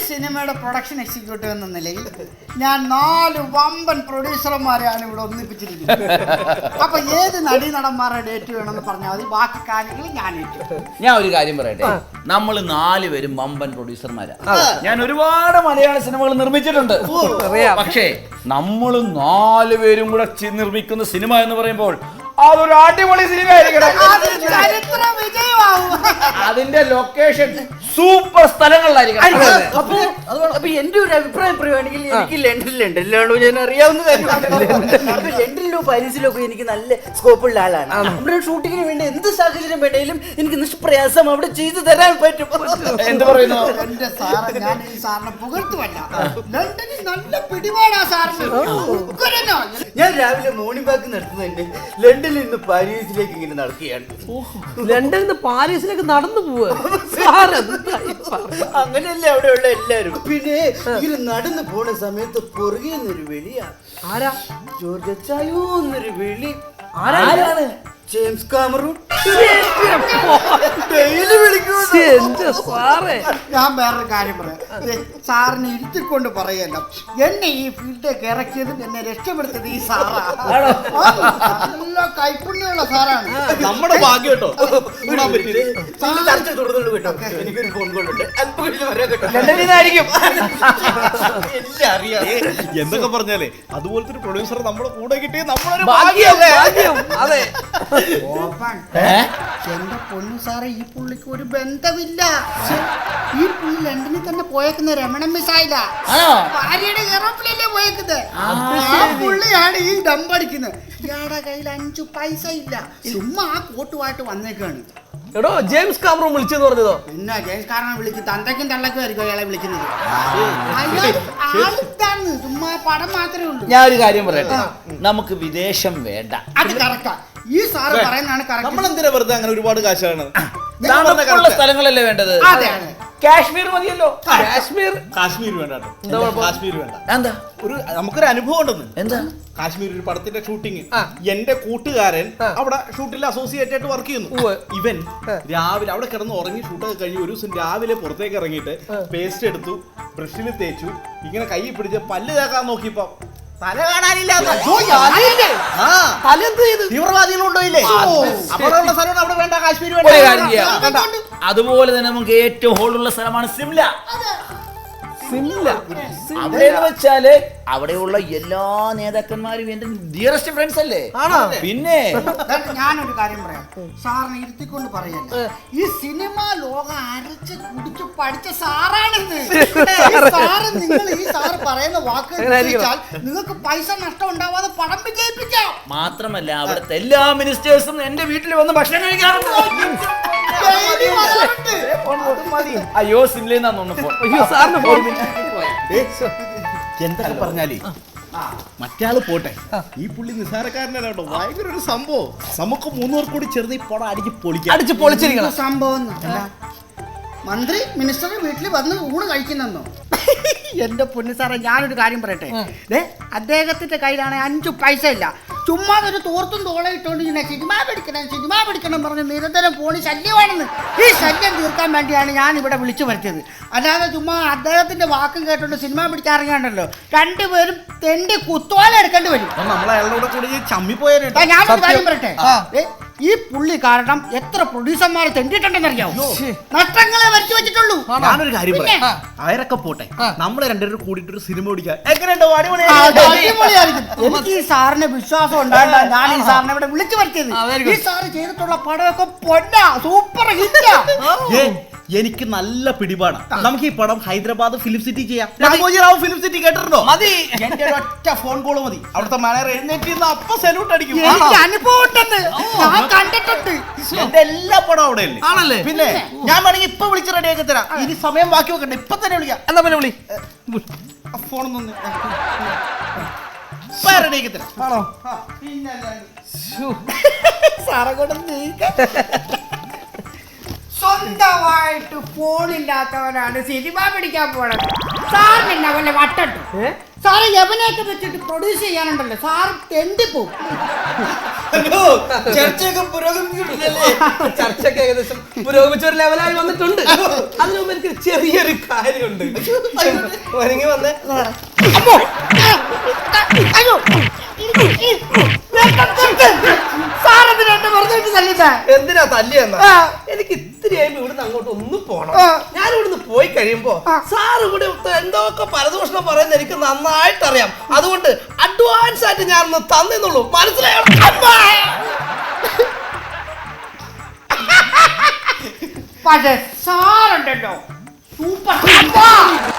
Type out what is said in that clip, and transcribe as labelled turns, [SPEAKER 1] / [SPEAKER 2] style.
[SPEAKER 1] സിനിമയുടെ production executive എന്ന നിലയിൽ ഞാൻ 4 വമ്പൻ പ്രൊഡ്യൂസർമാരെയാണ് ഇവിടെ ഒന്നിപ്പിച്ചിരിക്കുന്നത്. അപ്പൊ ഏത് നടീനടന്മാരുടെ ഡേറ്റ് വേണമെന്ന് പറഞ്ഞാൽ മതി, ബാക്കി കാര്യങ്ങൾ ഞാൻ ഏറ്റു.
[SPEAKER 2] ഞാൻ ഒരു കാര്യം പറയട്ടെ, നമ്മൾ 4 പേരും വമ്പൻ പ്രൊഡ്യൂസർമാരാ. ഞാൻ ഒരുപാട് മലയാള സിനിമകൾ നിർമ്മിച്ചിട്ടുണ്ട്. പക്ഷേ നമ്മൾ 4 പേരും കൂടെ നിർമ്മിക്കുന്ന സിനിമ എന്ന് പറയുമ്പോൾ അതൊരു അടിപൊളി സിനിമ ആയിരിക്കണം. അതിന്റെ ലൊക്കേഷൻ സൂപ്പർ സ്ഥലങ്ങളിലായിരിക്കണം.
[SPEAKER 3] അപ്പൊ എന്റെ ഒരു അഭിപ്രായം പറയുകയാണെങ്കിൽ എനിക്ക് ലണ്ടനിലാണോ ഞാൻ അറിയാവുന്ന കാര്യമാണ്. ലണ്ടനിലോ പാരീസിലോ ഒക്കെ എനിക്ക് നല്ല സ്കോപ്പുള്ള ആളാണ്. നമ്മുടെ ഷൂട്ടിങ്ങിന് വേണ്ടി എന്ത് സാഹചര്യം വേണേലും എനിക്ക് നിഷ്പ്രയാസം അവിടെ ചെയ്തു തരാൻ പറ്റും.
[SPEAKER 2] എന്ത് പറയുന്നു?
[SPEAKER 1] എന്റെ സാറ്, ഞാൻ ഈ സാറിനെ പുകഴ്ത്തുമല്ല, ലണ്ടനിൽ നല്ല പിടിപാടാ സാറിന്.
[SPEAKER 3] ഞാൻ രാവിലെ മോർണിംഗ് വാക്ക് നടത്തുന്നുണ്ട്. ലണ്ടനിൽ നിന്ന് പാരീസിലേക്ക് ഇങ്ങനെ നടക്കുകയാണ്.
[SPEAKER 4] ലണ്ടനിൽ നിന്ന് പാരീസിലേക്ക് നടന്നു പോവുക.
[SPEAKER 3] അങ്ങനെയല്ലേ അവിടെയുള്ള എല്ലാരും. പിന്നെ ഇങ്ങനെ നടന്നു പോണ സമയത്ത് പുറകെ നിന്നൊരു വിളിയാണ്.
[SPEAKER 4] ആരാ?
[SPEAKER 3] ജോർജ് അച്ചായോ എന്നൊരു വിളി.
[SPEAKER 4] ആരാണ്?
[SPEAKER 3] James Cameron.
[SPEAKER 1] ഞാൻ വേറൊരു കാര്യം പറയാം. സാറിനെ ഇരുത്തിക്കൊണ്ട് പറയല്ല, എന്നെ ഈ ഫീൽഡിലേക്ക് ഇറക്കിയതും എന്നെ രക്ഷപ്പെടുത്തിയത് ഈ സാറാ. നല്ല കൈപ്പുണ്യമുള്ള സാറാണ്.
[SPEAKER 5] നമ്മുടെ ഭാഗ്യം കേട്ടോ.
[SPEAKER 3] എനിക്കൊരു ഫോൺ കോൾ ഉണ്ട്.
[SPEAKER 5] എന്തൊക്കെ പറഞ്ഞാലേ അതുപോലത്തെ ഒരു പ്രൊഡ്യൂസർ നമ്മുടെ കൂടെ കിട്ടിയ നമ്മളൊരു
[SPEAKER 4] അതെ.
[SPEAKER 1] എന്റെ പൊന്നു സാറേ, ഈ പുള്ളിക്ക് ഒരു ബന്ധമില്ല. ഈ പുള്ളി ലണ്ടനിൽ തന്നെ പോയേക്കുന്ന രമണ മിസ്സായില്ല, ഭാര്യയുടെ എറോപ്ലെയിനിലെ പോയേക്കുന്നത്. ആ പുള്ളിയാണ് ഈ ഡമ്പടിക്കുന്നത്. ഇയാളുടെ കയ്യിൽ 5 പൈസ ഇല്ല, ചുമ്മാ ആ കോട്ടുമായിട്ട് വന്നേക്കാണ്.
[SPEAKER 4] എടോ, ജെയിംസ് കാമറൂൺ വിളിച്ചെന്ന് പറഞ്ഞതോ?
[SPEAKER 1] പിന്നെ ജെയിംസ് കാമറൂൺ വിളിക്കും, തന്തയ്ക്കും തള്ളക്കും ആയിരിക്കും അയാളെ വിളിക്കുന്നത്. ആളിതാണ്, ചുമ്മാ പടം മാത്രമേ ഉള്ളൂ.
[SPEAKER 2] ഞാൻ ഒരു കാര്യം പറയട്ടെ, നമുക്ക് വിദേശം വേണ്ട.
[SPEAKER 1] അത് കറക്റ്റാ. ഈ സാറ് പറയുന്നതാണ് കറക്റ്റ്.
[SPEAKER 5] നമ്മൾ എന്തിനാ വെറുതെ അങ്ങനെ ഒരുപാട് കാശാണ്?
[SPEAKER 2] തണുപ്പുള്ള സ്ഥലങ്ങളല്ലേ വേണ്ടത്? കാശ്മീർ മതിയല്ലോ.
[SPEAKER 5] കാശ്മീർ വേണ്ട. കാശ്മീർ വേണ്ട.
[SPEAKER 2] എന്താ?
[SPEAKER 5] നമുക്കൊരു അനുഭവം ഉണ്ടെന്ന്.
[SPEAKER 2] എന്താ?
[SPEAKER 5] കാശ്മീർ ഒരു പടത്തിന്റെ ഷൂട്ടിങ്. എന്റെ കൂട്ടുകാരൻ അവിടെ ഷൂട്ടിൽ അസോസിയേറ്റ് ആയിട്ട് വർക്ക് ചെയ്യുന്നു. ഇവൻ രാവിലെ അവിടെ കിടന്ന് ഉറങ്ങി ഷൂട്ടൊക്കെ കഴിഞ്ഞ് ഒരു ദിവസം രാവിലെ പുറത്തേക്ക് ഇറങ്ങിയിട്ട് പേസ്റ്റ് എടുത്തു, ബ്രഷിൽ തേച്ചു, ഇങ്ങനെ കൈ പിടിച്ച് പല്ല് തേക്കാൻ നോക്കിയപ്പോ തല കാണാനില്ല. തീവ്രവാദികളുണ്ടോയില്ലേ? അവിടെയുള്ള സ്ഥലമാണ് അവിടെ വേണ്ട. കാശ്മീർ വേണ്ട.
[SPEAKER 2] അതുപോലെ തന്നെ നമുക്ക് ഏറ്റവും ഹോളുള്ള സ്ഥലമാണ് സിംല. അവിടെ വെച്ചാല് അവിടെയുള്ള എല്ലാ നേതാക്കന്മാരും എന്റെ ഡിയറസ്റ്റ് ഫ്രണ്ട്സ് അല്ലേ. പിന്നെ
[SPEAKER 1] ഞാനൊരു കാര്യം പറയാം, സാറിനെ ഇരുത്തിക്കൊണ്ട് പറയല്ല, ഈ സിനിമ ലോകം അരച്ച് കുടിച്ചു പഠിച്ച സാറാണിത്. സാറ്, നിങ്ങൾ ഈ സാറ് പറയുന്ന വാക്കുകൾ നിങ്ങൾക്ക് പൈസ നഷ്ടം ഉണ്ടാവാതെ പടം വിജയിപ്പിക്കാം.
[SPEAKER 2] മാത്രമല്ല അവിടുത്തെ എല്ലാ മിനിസ്റ്റേഴ്സും എന്റെ വീട്ടിൽ വന്ന് ഭക്ഷണം കഴിക്കാറുണ്ട്. അയ്യോ, സിംലയിന്നാന്ന്
[SPEAKER 5] എന്തൊക്കെ പറഞ്ഞാലേ മറ്റാള് പോട്ടെ, ഈ പുള്ളി നിസ്സാരക്കാരനല്ല കേട്ടോ, ഭയങ്കര ഒരു സംഭവം. നമുക്ക് 3 പേർ കൂടി ചേർന്ന് ഈ പടം അടിച്ച് പൊളിച്ചിരിക്കണം.
[SPEAKER 1] സംഭവം മന്ത്രി മിനിസ്റ്റർ വീട്ടിൽ വന്ന് ഊണ് കഴിക്കുന്നോ? എന്റെ പൊന്നു സാറേ, ഞാനൊരു കാര്യം പറയട്ടെ. അദ്ദേഹത്തിന്റെ കയ്യിലാണ് 5 പൈസ ഇല്ല. ചുമ്മാ ഒരു തോർത്തും തോളം ഇട്ടുകൊണ്ട് ഇങ്ങനെ സിനിമ പിടിക്കണം പറഞ്ഞ് നിരന്തരം പോണി ശല്യമാണെന്ന്. ഈ ശല്യം തീർക്കാൻ വേണ്ടിയാണ് ഞാൻ ഇവിടെ വിളിച്ചു വരുത്തിയത്. അല്ലാതെ ചുമ്മാ അദ്ദേഹത്തിന്റെ വാക്കും കേട്ടോണ്ട് സിനിമ പിടിക്കാറിയാണ്ടല്ലോ, 2 പേരും തെണ്ടി കുത്തോല എടുക്കേണ്ടി വരും. ഞാനൊരു കാര്യം പറയട്ടെ, ഈ പുള്ളി കാരണം എത്ര പ്രൊഡ്യൂസർമാർ തെണ്ടിട്ടുണ്ടെന്നറിയാമോ? നഷ്ടങ്ങളെ വരുത്തി വെച്ചിട്ടുള്ളൂ.
[SPEAKER 5] ഞാനൊരു കാര്യം പറയാം, അവരൊക്കെ പോട്ടെ, നമ്മളെ 2 പേരും കൂടിയിട്ട് ഒരു സിനിമ പിടിക്കാം. എങ്ങനെയുണ്ടോ?
[SPEAKER 1] അടിപൊളിയായിരിക്കും. എനിക്ക് ഈ സാറിന് വിശ്വാസം ഉണ്ടായിട്ടാണ് ഞാൻ ഈ സാറിനെ ഇവിടെ വിളിച്ചു വരുത്തിയത്. ഈ സാറ് ചെയ്തിട്ടുള്ള പടമൊക്കെ പൊന്നാ, സൂപ്പർ ഹിറ്റാ.
[SPEAKER 5] എനിക്ക് നല്ല പിടിപാടാണ്. നമുക്ക് ഈ പടം ഹൈദരാബാദ് ഫിലിം സിറ്റി ചെയ്യാം. രാമോജിറാവു ഫിലിം സിറ്റി കേട്ടിട്ടുണ്ടോ? മതി, എന്റെ ഒറ്റ ഫോൺ കോൾ മതി. അവിടുത്തെ മാനേജർ എഴുന്നേറ്റ് അപ്പൊ സല്യൂട്ട് അടിക്കും.
[SPEAKER 1] അനുഭവം കണ്ടിട്ടുണ്ട്.
[SPEAKER 5] എന്റെ എല്ലാ പടം അവിടെ അല്ലേ. പിന്നെ ഞാൻ വേണമെങ്കിൽ ഇപ്പൊ വിളിച്ച് റെഡിയാക്കി തരാം. ഇനി സമയം ബാക്കി വെക്കണ്ട, ഇപ്പൊ തന്നെ വിളിക്കാം.
[SPEAKER 4] എന്നാ പിന്നെ വിളി.
[SPEAKER 5] ഫോണൊന്നും റെഡിയാക്കി തരാം. ആണോ?
[SPEAKER 1] സാറെ കൊണ്ട് സ്വന്തമായിട്ട് ഫോണില്ലാത്തവനാണ് സിനിമ പിടിക്കാൻ പോണത്. സാറിന് വല്ല വട്ടു സാറ് യവനെയൊക്കെ വെച്ചിട്ട് പ്രൊഡ്യൂസ് ചെയ്യാനുണ്ടല്ലോ സാറ് തെണ്ടിപ്പോവും.
[SPEAKER 3] ചർച്ചയൊക്കെ പുരോഗമിച്ചിട്ടില്ലല്ലേ?
[SPEAKER 4] ചർച്ചയൊക്കെ ഏകദേശം പുരോഗമിച്ച ഒരു ലെവലായി വന്നിട്ടുണ്ട്. അതിനു മുമ്പ് എനിക്ക് ചെറിയൊരു കാര്യമുണ്ട്. ഒരുങ്ങി വന്നേ.
[SPEAKER 1] അമ്മോ! അയ്യോ! സാറെന്തിനാ എന്നെ വെറുതെ തല്ലിട്ടാ?
[SPEAKER 4] എന്തിനാ തല്ലിയെന്നാ?
[SPEAKER 1] ആ.
[SPEAKER 4] എനിക്ക് ഇത്തിരിയായി ഇവിടുന്ന് അങ്ങോട്ട് ഒന്ന് പോണം.
[SPEAKER 1] ആ.
[SPEAKER 4] ഞാൻ ഇവിടുന്ന് പോയി കഴിയുമ്പോ സാർ ഇവിടെ എന്തൊക്കെ പരദൂഷണം പറയുന്നത് എനിക്ക് നന്നായിട്ട് അറിയാം. അതുകൊണ്ട് അഡ്വാൻസ് ആയിട്ട് ഞാൻ ഒന്ന് തന്നെന്നുള്ളൂ. മനസ്സിലായോ?
[SPEAKER 1] പക്ഷേ സാറുണ്ടല്ലോ സൂപ്പർ